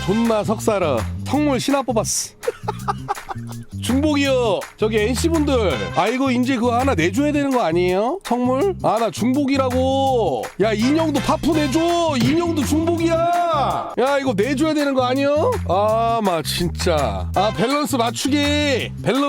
존나 석사라 성물 신화 뽑았어. 중복이요. 저기 NC분들 이거 이제 그거 하나 내줘야 되는 거 아니에요? 성물? 나 중복이라고. 야 인형도 파프 내줘. 인형도 중복이야. 야 이거 내줘야 되는 거 아니요? 진짜 밸런스 맞추기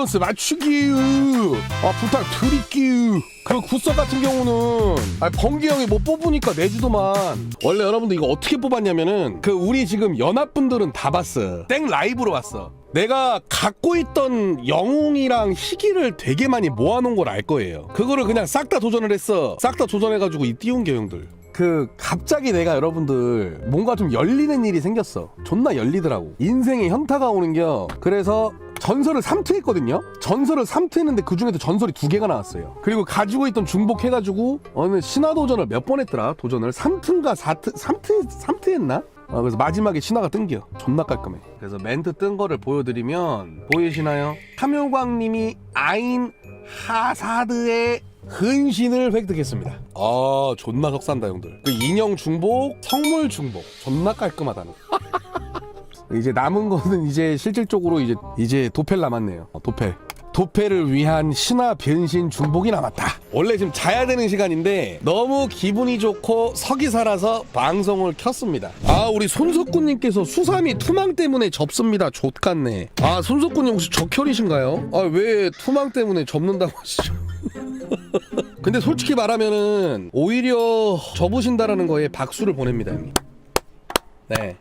부탁드릴게요. 그 굿석 같은 경우는 번개 형이 못 뽑으니까 내주더만. 원래 여러분들 이거 어떻게 뽑았냐면은 우리 지금 연합분들은 다 봤어. 땡 라이브로 봤어. 내가 갖고 있던 영웅이랑 희귀를 되게 많이 모아놓은 걸 알 거예요. 그거를 그냥 싹 다 도전을 했어. 싹 다 도전해가지고 이 띄운 게 형들. 갑자기 내가 여러분들 뭔가 좀 열리는 일이 생겼어. 존나 열리더라고. 인생에 현타가 오는겨. 그래서 전설을 3트했거든요. 전설을 3트했는데 그 중에도 전설이 2개가 나왔어요. 그리고 가지고 있던 중복해가지고 어느 신화 도전을 몇 번 했더라. 도전을 3트인가 3트 했나? 그래서 마지막에 신화가 뜬겨. 존나 깔끔해. 그래서 멘트 뜬 거를 보여드리면 보이시나요? 탐요광님이 아인 하사드의 근신을 획득했습니다. 존나 석산다 형들. 인형 중복, 성물 중복 존나 깔끔하다는. 이제 남은 거는 이제 실질적으로 이제 도펠 남았네요. 도펠을 위한 신화 변신 중복이 남았다. 원래 지금 자야 되는 시간인데 너무 기분이 좋고 석이 살아서 방송을 켰습니다. 우리 손석구님께서 수삼이 투망 때문에 접습니다. 좆같네. 손석구님 혹시 적혈이신가요? 왜 투망 때문에 접는다고 하시죠? 근데 솔직히 말하면은 오히려 접으신다라는 거에 박수를 보냅니다, 형님. 네.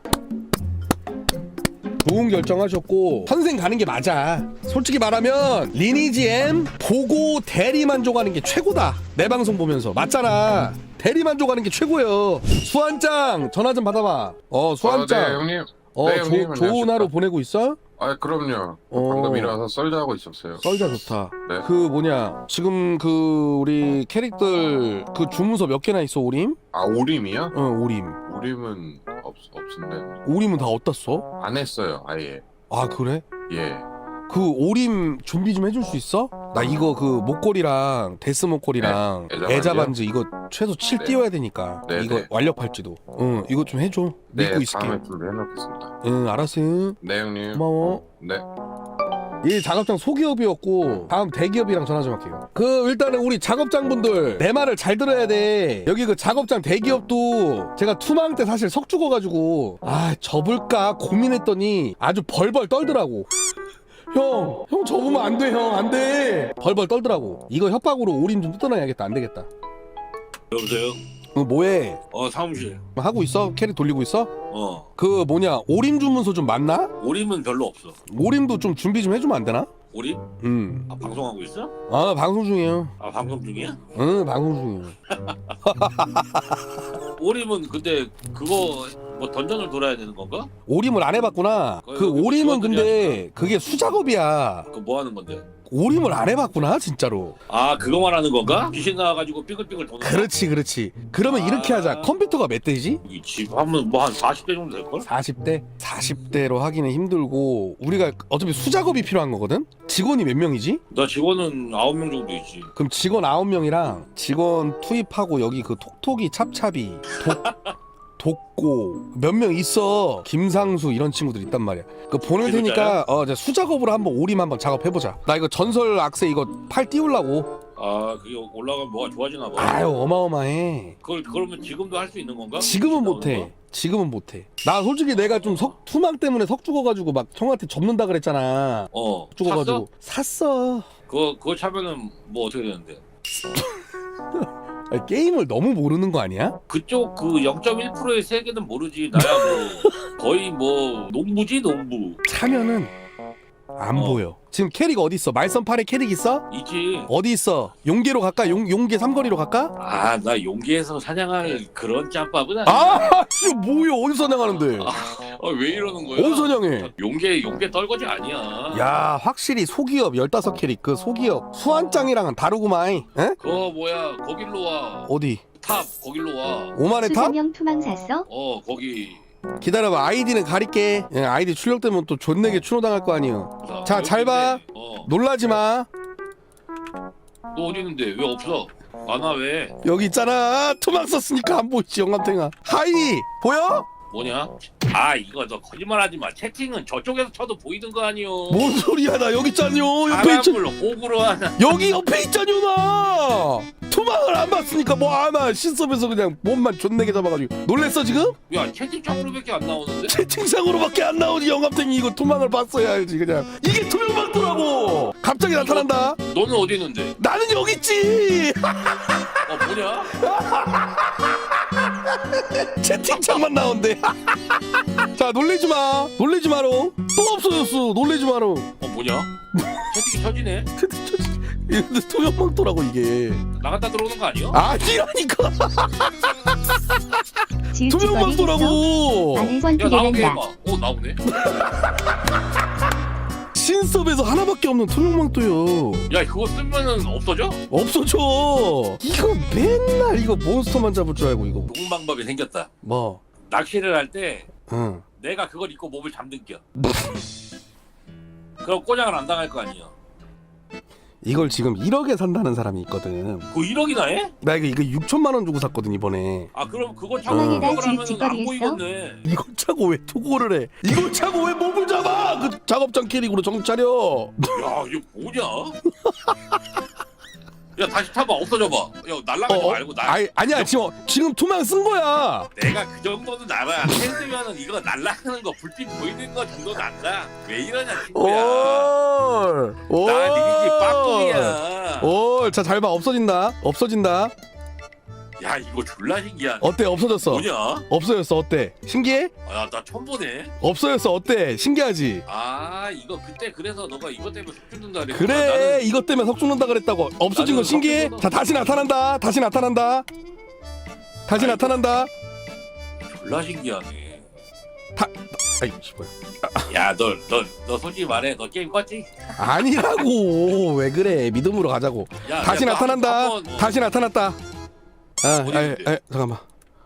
좋은 결정하셨고 선생 가는 게 맞아. 솔직히 말하면 리니지 M 보고 대리만족하는 게 최고다. 내 방송 보면서 맞잖아. 대리만족하는 게 최고예요. 수환짱 전화 좀 받아봐. 수환짱. 네 형님. 네, 형님, 좋은 하루 보내고 있어? 그럼요. 방금 일어나서 썰자하고 있었어요. 썰자 좋다. 네. 지금 우리 캐릭터 주문서 몇 개나 있어 오림? 오림이요? 오림. 오림은 없은데. 오림은 다 어디다 써? 안 했어요 아예. 그래? 예. 오림 준비 좀 해줄 수 있어? 나 이거 목걸이랑 데스 목걸이랑 네, 애자 반지 이거 최소 7 네. 띄워야 되니까. 네, 이거 네. 완력 팔찌도. 이거 좀 해줘. 네, 믿고 있을게. 다음에 준비해놓겠습니다. 알았어. 네 형님. 고마워. 네. 이 작업장 소기업이었고 다음 대기업이랑 전화 좀 할게요. 일단은 우리 작업장분들 내 말을 잘 들어야 돼. 여기 작업장 대기업도 제가 투망 때 사실 석 죽어가지고 접을까 고민했더니 아주 벌벌 떨더라고. 형 접으면 안 돼, 형 안 돼. 벌벌 떨더라고. 이거 협박으로 오림 좀 뜯어놔야겠다. 안 되겠다. 여보세요? 뭐해? 사무실. 하고 있어? 캐릭 돌리고 있어? 오림 주문서 좀 맞나? 오림은 별로 없어. 오림도 좀 준비 좀 해주면 안 되나? 오림? 방송하고 있어? 방송 중이에요. 방송 중이야? 응, 방송 중이에요. 오림은 근데 그거 던전을 돌아야 되는 건가? 오림을 안 해봤구나. 오림은 근데 그게 수작업이야. 그거 뭐 하는 건데? 오림을 안 해봤구나 진짜로. 그거 말하는 건가? 귀신 나와가지고 삐글삐글 도는 거? 그렇지. 그러면 이렇게 하자. 컴퓨터가 몇 대지? 이 집 하면 한 40대 정도 될걸? 40대? 40대로 하기는 힘들고 우리가 어차피 수작업이 필요한 거거든? 직원이 몇 명이지? 나 직원은 9명 정도 있지. 그럼 직원 9명이랑 직원 투입하고 여기 톡톡이 찹찹이 독고 몇 명 있어. 김상수 이런 친구들 있단 말이야. 보낼 테니까 수작업으로 한번 오림 한번 작업해보자. 나 이거 전설 악세 이거 팔 띄우려고. 그게 올라가면 뭐가 좋아지나 봐. 어마어마해. 그러면 지금도 할 수 있는 건가? 지금은 못해. 나 솔직히 내가 좀 투망 때문에 석 죽어가지고 막 형한테 접는다 그랬잖아. 죽어가지고 샀어. 그거 차면은 뭐 어떻게 되는데? 게임을 너무 모르는 거 아니야? 그쪽 0.1%의 세계는 모르지. 나야 거의 농부지 농부. 차면은 안 보여. 지금 캐릭 어디 있어? 말썽팔에 캐릭 있어? 있지. 어디 있어? 용계로 갈까? 용계 삼거리로 갈까? 나 용기에서 사냥할 그런 짬밥은 아니야. 뭐야? 어디서 사냥하는데? 왜 이러는 거야? 어디서 사냥해? 용계 떨거지 아니야. 야, 확실히 소기업 15캐릭 소기업 수환짱이랑은 다르구만. 에? 그거 거길로 와. 어디? 탑 거길로 와. 오만의 탑? 수사명 투망 샀어? 거기. 기다려봐. 아이디는 가릴게. 아이디 출력되면 또 존내게 추노당할 거 아니여. 자, 잘 봐. 놀라지 마. 너 어디 있는데 왜 없어? 안 와 왜? 여기 있잖아. 투망 썼으니까 안 보이지 영감탱아. 하이 보여? 뭐냐? 아 이거 너 거짓말하지 마. 채팅은 저쪽에서 쳐도 보이는 거 아니요. 뭔 소리야? 나 여기 있잖요. 옆에 있잖. 사람을 호구로 하나. 여기 옆에 있잖요 나. 투망을 안 봤으니까 뭐 아마 신섭에서 그냥 몸만 존내게 잡아가지고 놀랬어 지금? 야 채팅창으로밖에 안 나오는데? 채팅창으로밖에 안 나오지. 영감탱이 이거 투망을 봤어야 알지 그냥. 이게 투명망토라고. 갑자기 나타난다. 너는 어디 있는데? 나는 여기 있지. 뭐냐? 채팅창만 나온대. 자 놀래지 마. 놀래지 마라. 또 없어졌어. 놀래지 마라. 뭐냐? 채팅이 쳐지네? 근데 투명망토라고 이게. 나갔다 들어오는 거 아니야? 아니라니까. 투명망토라고. 야 나오게 해봐. 나오네. 신섭에서 하나밖에 없는 투명망토요. 야 그거 쓰면은 없어져? 없어져. 이거 맨날 이거 몬스터만 잡을 줄 알고 이거. 좋은 방법이 생겼다. 뭐? 낚시를 할 때 응. 내가 그걸 입고 몸을 잠든겨. 그럼 꼬장을 안 당할 거 아니야. 이걸 지금 1억에 산다는 사람이 있거든. 그거 1억이나 해? 나 이거 6천만 원 주고 샀거든 이번에. 아 그럼 그거 차고 어. 공격을 하면은 안 보이겠네. 이걸 차고 왜 투고를 해? 이걸 차고 왜 몸을 잡아? 그 작업장 캐릭으로 정신 차려. 야 이거 뭐냐? 야 다시 타봐. 없어져봐. 야 날라가지 말고 아니야 지금 투망 쓴 거야. 내가 그 정도는 알아. 핸드면은 이거 날라가는 거 불빛 보이는 거 정도는 안다. 왜 이러냐 친구야. 올. 나 리니지 빠꾸이야. 올. 자 잘 봐. 없어진다. 야 이거 졸라 신기하네. 어때? 없어졌어. 뭐냐? 없어졌어. 어때? 신기해? 나 처음 보네. 없어졌어. 어때? 신기하지? 아 이거 그때 그래서 너가 이것 때문에 속 죽는다 그랬구나. 그래 나는 이것 때문에 석 죽는다 그랬다고. 없어진 거 나는 신기해? 석 자 다시 나타난다. 나타난다. 졸라 신기하네. 아이 씨발. 야너 솔직히 말해. 너 게임 껐지? 아니라고. 왜 그래? 믿음으로 가자고. 야, 다시 야, 나타난다. 한번 뭐- 다시 나타났다. 어디 잠깐만.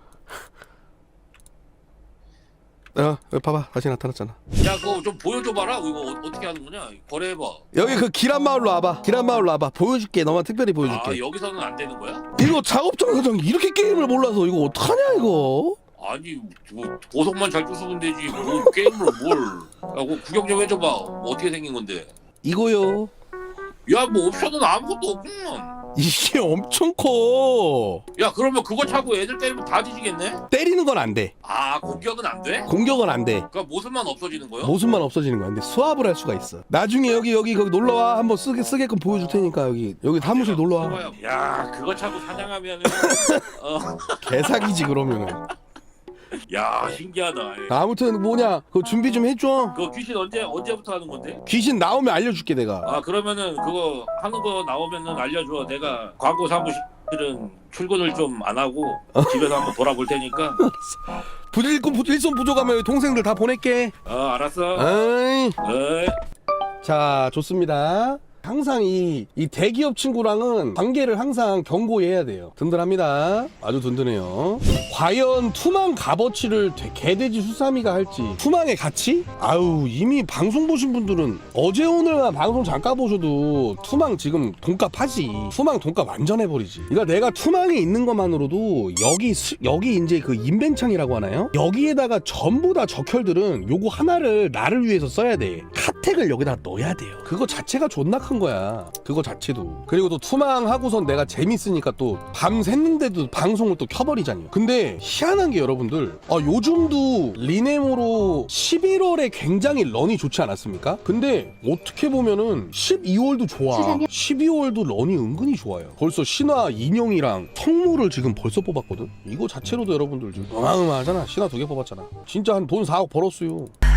여기 봐봐. 다시 나타났잖아. 야 그거 좀 보여줘봐라. 이거 어떻게 하는 거냐? 거래해봐. 여기 그 기란 마을로 와봐. 보여줄게. 너만 특별히 보여줄게. 아 여기서는 안 되는 거야? 이거 작업장 사장 이렇게 게임을 몰라서 이거 어떡하냐 이거. 아니 뭐 보석만 잘 주시면 되지. 뭐 게임을 뭘? 야 그거 구경 좀 해줘봐. 어떻게 생긴 건데? 이거요. 야 뭐 옵션은 아무것도 없구만. 이게 엄청 커. 야 그러면 그거 차고 애들 때리면 다 뒤지겠네? 때리는 건 안 돼. 아 공격은 안 돼? 공격은 안 돼. 그러니까 모습만 없어지는 거야? 모습만 없어지는 거야. 근데 수압을 할 수가 있어. 나중에 거기 놀러 와. 한번 쓰게끔 보여줄 테니까 여기 사무실 놀러 와. 야 그거 차고 사냥하면은 개사기지 그러면은. 야 신기하다. 아무튼 뭐냐 그 준비 좀 해줘. 그거 귀신 언제부터 하는 건데? 귀신 나오면 알려줄게 내가. 아 그러면은 그거 하는 거 나오면은 알려줘. 내가 광고 사무실은 출근을 좀 안 하고 집에서 한번 돌아볼 테니까. 일손 부족하면 동생들 다 보낼게. 알았어. 어이. 어이. 자 좋습니다. 항상 이 대기업 친구랑은 관계를 항상 경고해야 돼요. 든든합니다. 아주 든든해요. 과연 투망 값어치를 개돼지 수사미가 할지. 투망의 가치? 아유 이미 방송 보신 분들은 어제 오늘만 방송 잠깐 보셔도 투망 지금 돈값 하지. 투망 돈값 완전 해버리지. 그러니까 내가 투망에 있는 것만으로도 여기 이제 그 인벤창이라고 하나요? 여기에다가 전부 다 적혈들은 요거 하나를 나를 위해서 써야 돼. 카텍을 여기다 넣어야 돼요. 그거 자체가 존나 큰 거야. 그거 자체도. 그리고 또 투망하고선 내가 재밌으니까 또 밤 샜는데도 방송을 또 켜버리잖아요. 근데 희한한 게 여러분들 요즘도 리네모로 11월에 굉장히 런이 좋지 않았습니까? 근데 어떻게 보면은 12월도 좋아. 12월도 런이 은근히 좋아요. 벌써 신화 인형이랑 성물을 지금 벌써 뽑았거든. 이거 자체로도 여러분들 지금 어마어마하잖아. 신화 2개 뽑았잖아. 진짜 한 돈 4억 벌었어요.